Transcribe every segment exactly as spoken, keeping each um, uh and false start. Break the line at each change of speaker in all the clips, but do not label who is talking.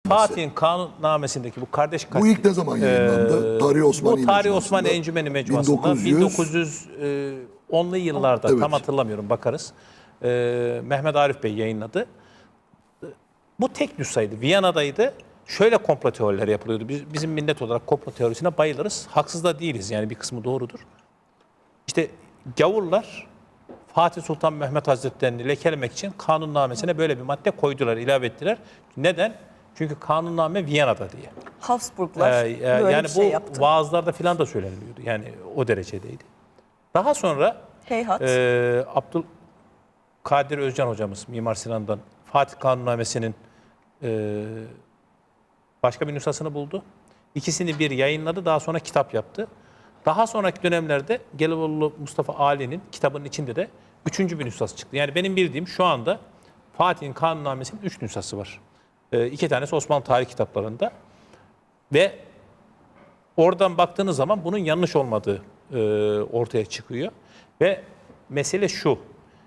Fatih'in kanunnamesindeki bu kardeş katli.
Bu ilk ne zaman yayınlandı?
Ee,
Tarih Osmani
Bu Tarih
Mecmuası'nda.
Osmani Encümeni Mecmuası'nda bin dokuz yüz onlu yıllarda
Evet.
tam hatırlamıyorum bakarız. Ee, Mehmet Arif Bey yayınladı. Bu tek nüshaydı. Viyana'daydı. Şöyle komplo teorileri yapılıyordu. Biz, bizim millet olarak komplo teorisine bayılırız. Haksız da değiliz yani bir kısmı doğrudur. İşte gavurlar Fatih Sultan Mehmet Hazretleri'ni lekelemek için kanunnamesine böyle bir madde koydular, ilave ettiler. Neden? Çünkü kanunname Viyana'da diye.
Habsburglar
Ee, e,
böyle
yani
bir şey
bu
yaptı.
vaazlarda filan da söyleniliyordu. Yani o derecedeydi. Daha sonra
Heyhat.
e, Abdülkadir Özcan hocamız Mimar Sinan'dan Fatih Kanunnamesi'nin e, başka bir nüshasını buldu. İkisini bir yayınladı. Daha sonra kitap yaptı. Daha sonraki dönemlerde Gelibolu Mustafa Ali'nin kitabının içinde de üçüncü bir nüshası çıktı. Yani benim bildiğim şu anda Fatih'in kanunnamesinin üç nüshası var. E, iki tanesi Osmanlı tarih kitaplarında. Ve oradan baktığınız zaman bunun yanlış olmadığı e, ortaya çıkıyor. Ve mesele şu.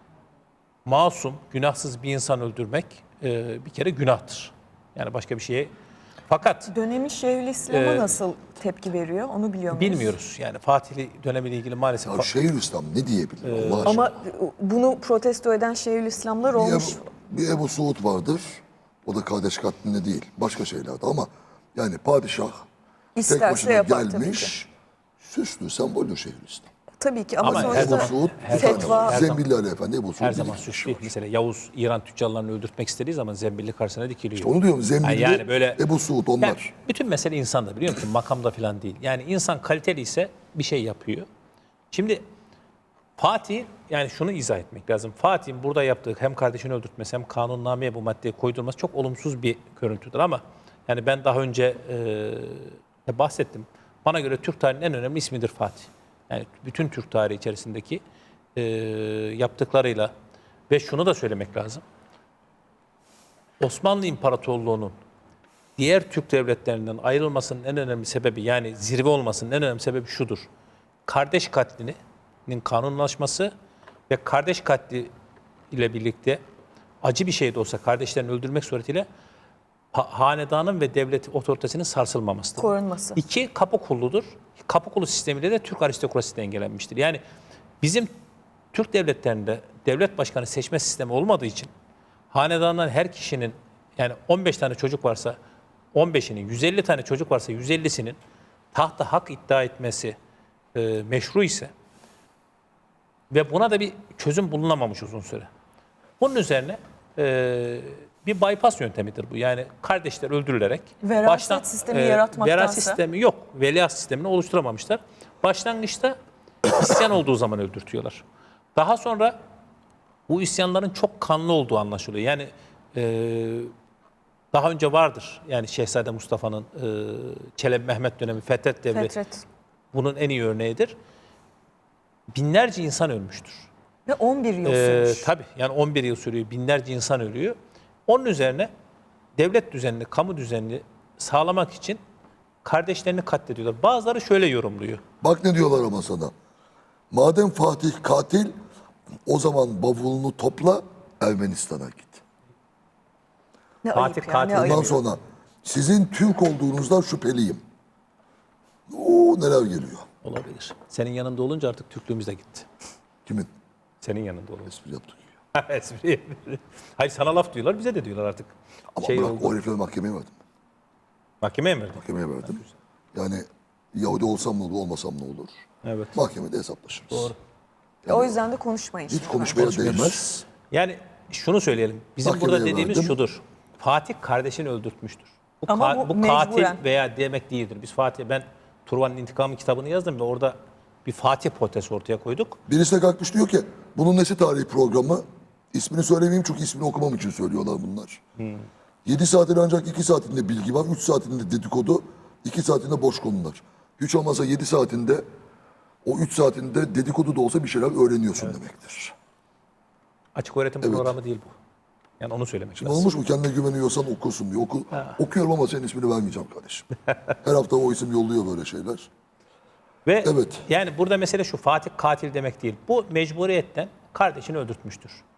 Masum, günahsız bir insan öldürmek e, bir kere günahtır. Yani başka bir şeye... Fakat
Dönemi Şeyhülislam'a
Ee,
nasıl tepki veriyor onu biliyor muyuz?
bilmiyoruz. Yani Fatihli dönemiyle ilgili maalesef...
Ya Şeyhülislam ne diyebilir
Ee,
Allah aşkına?
Ama bunu protesto eden Şeyhülislamlar
Bir
olmuş.
Ebu, bir Ebu Suud vardır. O da kardeş katlinde değil. Başka şeylerde ama yani padişah tek
İsterse
başına
yapar tabii ki.
gelmiş. Süslü semboldür Şeyhülislam.
Tabii ki ama,
Ama
sonuçta
her
Ebu
zaman-
Suud
her
bir tane
fetva-
var.
her zaman-
Zembilli Ali Efendi Ebu Suud.
Her
bir
zaman
iki
suç
kişi
değil.
var.
Mesela Yavuz İran tüccarlarını öldürtmek istediği zaman Zembilli karşısına dikiliyor.
Onu diyorum Zembilli,
Yani böyle-
Ebu Suud onlar.
Yani bütün mesele insanda biliyor musun? Makamda falan değil. Yani insan kaliteli ise bir şey yapıyor. Şimdi Fatih, yani şunu izah etmek lazım. Fatih'in burada yaptığı hem kardeşini öldürtmesi hem kanunnameye bu maddeyi koydurması çok olumsuz bir görüntüdür ama yani ben daha önce e, bahsettim. Bana göre Türk tarihinin en önemli ismidir Fatih. Yani bütün Türk tarihi içerisindeki e, yaptıklarıyla ve şunu da söylemek lazım. Osmanlı İmparatorluğu'nun diğer Türk devletlerinden ayrılmasının en önemli sebebi yani zirve olmasının en önemli sebebi şudur. Kardeş katlinin kanunlaşması ve kardeş katli ile birlikte acı bir şey de olsa kardeşlerini öldürmek suretiyle ha- hanedanın ve devlet otoritesinin sarsılmamasıdır.
korunması.
İki, kapı kulludur. Kapı kulu sistemiyle de Türk aristokrasisi dengelenmiştir. Yani bizim Türk devletlerinde devlet başkanı seçme sistemi olmadığı için hanedandan her kişinin yani on beş tane çocuk varsa on beşinin, yüz elli tane çocuk varsa yüz ellisinin tahta hak iddia etmesi e, meşru ise ve buna da bir çözüm bulunamamış uzun süre. Bunun üzerine e, bir bypass yöntemidir bu. Yani kardeşler öldürülerek
Veraset sistemi yaratmaktansa-
veraset sistemi yok. Veliaht sistemini oluşturamamışlar. Başlangıçta isyan olduğu zaman öldürtüyorlar. Daha sonra bu isyanların çok kanlı olduğu anlaşılıyor. Yani e, daha önce vardır. Yani Şehzade Mustafa'nın e, Çelebi Mehmet dönemi Fetret Devri
Fetret.
bunun en iyi örneğidir. Binlerce insan ölmüştür.
Ve on bir yıl
Ee,
sürmüş.
tabii yani on bir yıl sürüyor. Binlerce insan ölüyor. Onun üzerine devlet düzenini, kamu düzenini sağlamak için kardeşlerini katlediyorlar. Bazıları şöyle yorumluyor.
Bak ne diyorlar ama sana. Madem Fatih katil, o zaman bavulunu topla Ermenistan'a git.
Ne
Fatih
ayıp ya,
katil
ne ayıp.
Ondan sonra sizin Türk olduğunuzdan şüpheliyim. Oo neler geliyor.
Olabilir. Senin yanında olunca artık Türklüğümüz de gitti.
Kimin?
Senin yanında olunca.
Espri yaptık.
Espri. Hayır sana laf diyorlar, bize de diyorlar artık.
Ama
Şey
bırak
oldu.
o herifleri mahkemeye verdim.
Mahkemeye mi verdin?
Mahkemeye verdim. Yani Yahudi olsam ne olur, olmasam ne olur?
Evet.
Mahkemede hesaplaşırız.
Doğru.
O yüzden de konuşmayın.
Hiç konuşmaya değmez.
Yani şunu söyleyelim. Bizim
Mahkemeye
burada dediğimiz
verdim.
şudur. Fatih kardeşini öldürtmüştür. Bu,
Ama
ka-
bu
bu katil
mecburen.
veya demek değildir. Biz Fatih, ben Turvan'ın İntikamı kitabını yazdım ve orada bir Fatih protesi ortaya koyduk.
Birisi de kalkmış diyor ki bunun nesi tarihi programı? İsmini söylemeyeyim çünkü ismini okumam için söylüyorlar bunlar. Yedi saatin ancak iki saatinde bilgi var, üç saatinde dedikodu, iki saatinde boş konular. Hiç olmazsa yedi saatinde, o üç saatinde dedikodu da olsa bir şeyler öğreniyorsun demektir.
Açık öğretim
Evet.
programı değil bu. Yani onu söylemek
Şimdi
lazım.
olmuş mu kendine güveniyorsan okursun diyor. Oku, okuyorum ama senin ismini vermeyeceğim kardeşim. Her hafta o isim yolluyor böyle şeyler.
Ve
Evet.
yani burada mesele şu, Fatih katil demek değil. Bu mecburiyetten kardeşini öldürtmüştür.